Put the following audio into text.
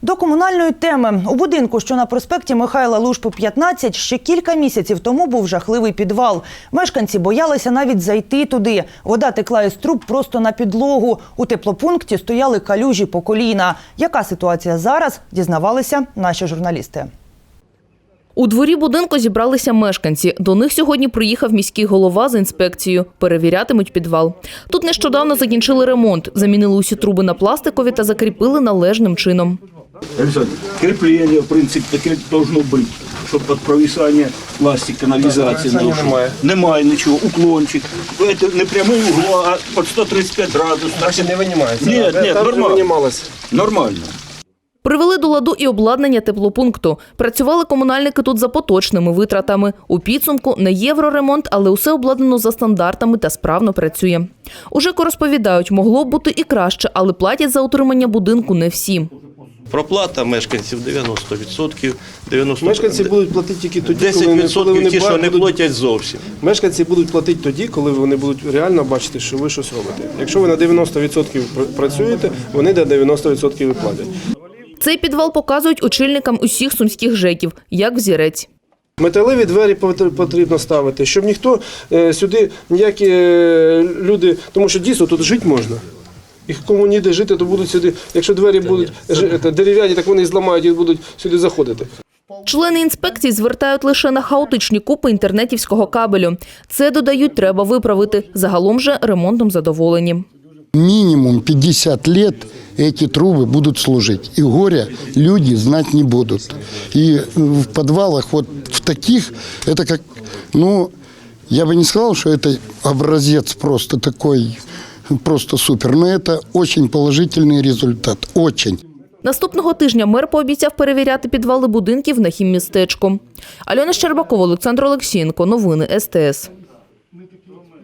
До комунальної теми. У будинку, що на проспекті Михайла Лушпи, 15, ще кілька місяців тому був жахливий підвал. Мешканці боялися навіть зайти туди. Вода текла із труб просто на підлогу. У теплопункті стояли калюжі по коліна. Яка ситуація зараз, дізнавалися наші журналісти. У дворі будинку зібралися мешканці. До них сьогодні приїхав міський голова з інспекцією. Перевірятимуть підвал. Тут нещодавно закінчили ремонт. Замінили усі труби на пластикові та закріпили належним чином. Кріплення, в принципі, таке должно бути, щоб під провисання пластик, каналізації. Немає нічого, уклончик. Це не прямий угол, а під 135 градусів. Значить, не винімається? Ні, нормально. Нормально. Привели до ладу і обладнання теплопункту. Працювали комунальники тут за поточними витратами. У підсумку не євроремонт, але усе обладнано за стандартами та справно працює. У ЖЕКу розповідають, могло б бути і краще, але платять за утримання будинку не всі. Проплата мешканців 90%. Мешканці будуть платити тільки тоді, 10% ті, що не платять зовсім. Мешканці будуть платити тоді, коли вони будуть реально бачити, що ви щось робите. Якщо ви на 90% працюєте, вони до 90% і платять. Цей підвал показують очільникам усіх сумських ЖЕКів, як взірець. Металеві двері потрібно ставити, щоб ніхто сюди, ніякі люди, тому що дійсно тут жити можна. І кому ніде жити, то будуть сюди, якщо двері будуть дерев'яні, так вони зламають і будуть сюди заходити. Члени інспекції звертають лише на хаотичні купи інтернетівського кабелю. Це, додають, треба виправити. Загалом же ремонтом задоволені. Минимум 50 лет эти трубы будут служить. И горя люди знать не будут. И в подвалах вот в таких, это как, я бы не сказал, что это образец просто такой, просто супер. Но это очень положительный результат. Очень. Наступного тижня мер пообіцяв перевіряти підвали будинків на хіммістечку. Альона Щербакова, Олександр Олексієнко. Новини СТС.